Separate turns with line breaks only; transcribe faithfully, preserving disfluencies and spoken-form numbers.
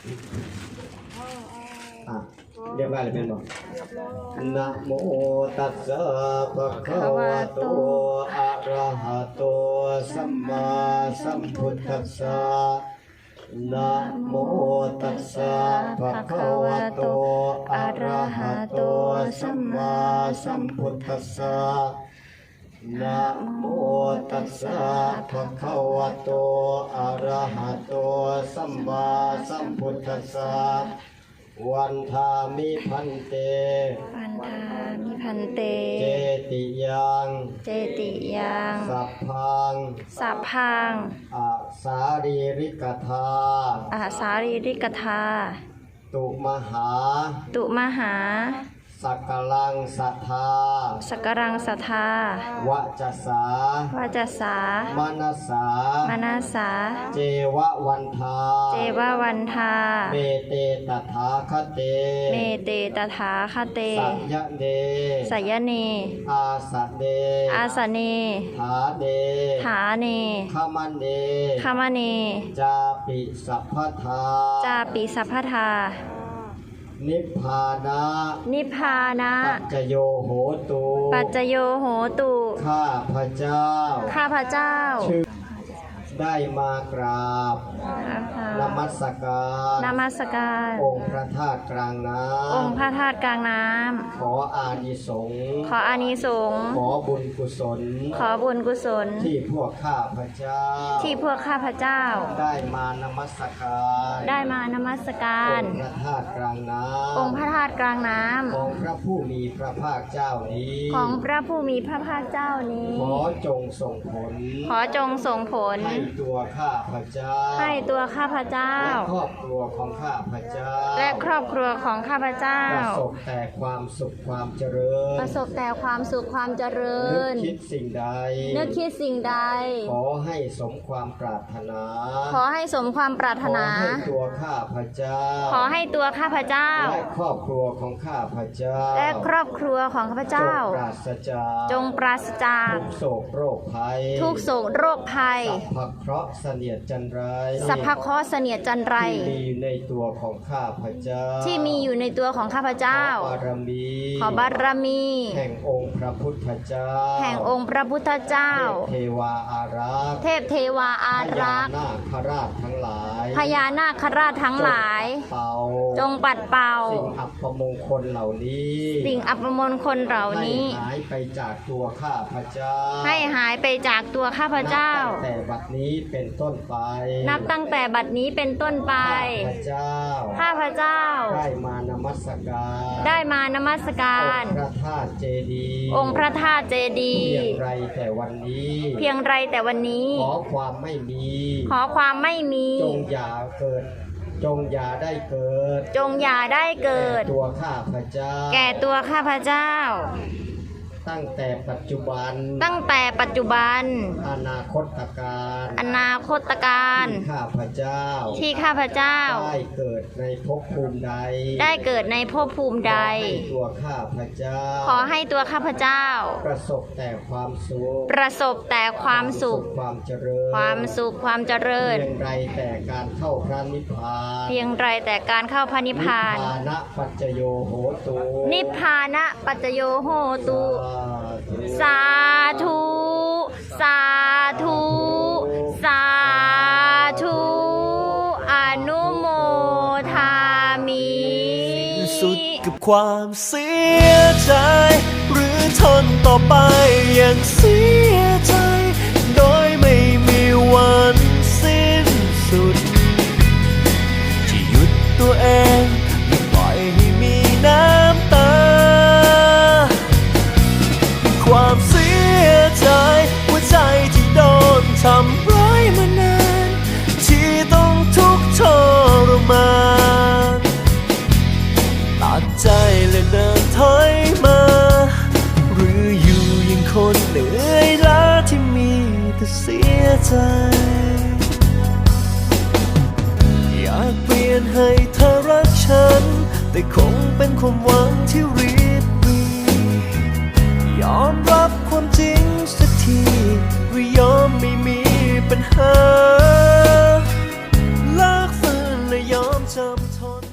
อ่ะเรียบร้อยเลยเป็นบอกนะโมตัสสะภะคะวะโตอะระหะโตสัมมาสัมพุทธัสสะนะโมตัสสะภะคะวะโตอะระหะโตสัมมาสัมพุทธัสสะนะโมตัสสะภะคะวะโตอะระหะโตสัมมาสัมพุทธัสสะวันทามิพันเต
วันทามิพันเต
เจติยัง
เจติยัง
สัพพัง
สัพพัง
อาสารีริกธา
อาสารีริกธา
ตุมหา
ตุมหา
สักกลังสัทธา
สักกรังสัทธาว
จัสสาว
จัสสา
มานัสสาม
นัสสา
เจวะวันทา
เจวะวันทา
เมเตตถาคเต
เมเตตถาคเต
สัยยะเน
สัยเน
อาสะเน
อาสเน
ฐาเน
ฐาเน
ขมันเน
ขมเน
จาปิสัพพทา
จาปิสัพพทา
นิพพานะ
นิพพานะ
ปัจจโยโหตุ
ปัจจโยโหตุ
ข้าพระเจ้า
ข้าพระเจ้า
ได้มากราบนมัสการ
นมัสการ
องค์พระธาตุกลางน้ำ
องค์พระธาตุกลางน้ำ
ขออานิสงส์
ขออานิสงส์
ขอบุญกุศล
ขอบุญกุศล
ที่พวกข้าพระเจ้า
ที่พวกข้าพระเจ้า
ได้มานมัสการ
ได้มานมัสการ
องค์พระธาตุกลางน้ำ
องค์พระธาตุกลางน้ำ
ของพระผู้มีพระภาคเจ้านี้
ของพระผู้มีพระภาคเจ้านี้
ขอจงส่งผล
ขอจงส่งผล
ให้ตัวข้าพระเจ้า
ให้ตัวข้าพเจ้า
และครอบครัวของข้าพเจ้า
และครอบครัวของข้าพเจ้า
ประสบแต่ความสุขความเจริญ
ประสบแต่ความสุขความเจริญ
นึกคิดสิ่งใด
นึกคิดสิ่งใด
ขอให้สมความปรารถนา
ขอให้สมความปรารถนา
ขอให้ตัวข้าพเจ้า
ขอให้ตัวข้าพเจ้า
และครอบครัวของข้าพเจ้า
และครอบครัวของข้าพเจ้า
จงปราศจาก
จงปราศจาก
ทุกโศกโรคภัย
ทุกโศกโรคภัย
สัพพเคราะห์เสนียดจันไร
สัพพเคราะห์เสนียดจันไร
ที่มีในตัวของข้าพเจ้า
ที่มีอยู่ในตัวของข้าพเจ้า
ขอบารมี
ขอบารมี
แห่งองค์พระพุทธเจ้า
แห่งองค์พระพุทธเจ้า
เทวาอารักษ์
เทพเทวาอารักษ์
พญานาคราชทั้งหลาย
พญานาคราชทั้งหลายจงปัดเป่า
สิ่งอัปมงคลเหล่านี้
สิ่งอัปมงคลเหล่านี้
ให้หายไปจากตัวข้าพเจ้า
ให้หายไปจากตัวข้าพเจ้า
นับตั้งแต่บัดนี้เป็นต้นไป
นับตั้งแต่บัดนี้เป็นต้นไป
ข้าพเจ้า
ข้าพเจ้า
ได้มานมัสการ
ได้มานมัสการ
องค์พระธาตุเจดีย์
องค์พระธาตุเจดีย์
เพียงไรแต่วันนี้
เพียงไรแต่วันนี้
ขอความไม่มี
ขอความไม่มี
จงอย่าเกิดจงอย่าได้เกิด
จงอย่าได้เกิด
แก่ตัวข้าพเจ้า
แก่ตัวข้าพเจ้า
ตั้งแต่ปัจจุบัน
ตั้งแต่ปัจจุบัน
อนาคตการ
อนาคตการ
ที่ข้าพเจ้า
ที่ข้าพเจ้า
ได้เกิดในภพภูมิใด
ได้เกิดในภพภูมิใด
ตัวข้าพเจ้า
ขอให้ตัวข้าพเจ้า
ประสบแต่ความสุข
ประสบแต่ความสุข
ความเจริญ
ความสุขความเจริญ
เพียงไรแต่การเข้าพระนิพพาน
เพียงไรแต่การเข้าพระนิพพาน
นิพพานะปัจจโยโหตุ
นิพพานะปัจจโยโหตุสาธุสาธุสาธุอนุโมทามิ
สุดกับความเสียใจหรือทนต่อไปอย่างเสียใจโดยไม่มีวันสิ้นสุดที่หยุดตัวเองไม่ปล่อยให้มีน้ำตาความเสียใจหัวใจที่โดนทำร้ายมานานที่ต้องทุกข์ทรมานตัดใจและเดินถอยมาหรืออยู่ยังคนเหนื่อยล้าที่มีแต่เสียใจอยากเปลี่ยนให้เธอรักฉันแต่คงเป็นความหวังที่ริบหรี่ยอมรับความจริงสักทีหรือยอมไม่มีปัญหาเลิกฝืนและยอมจำทน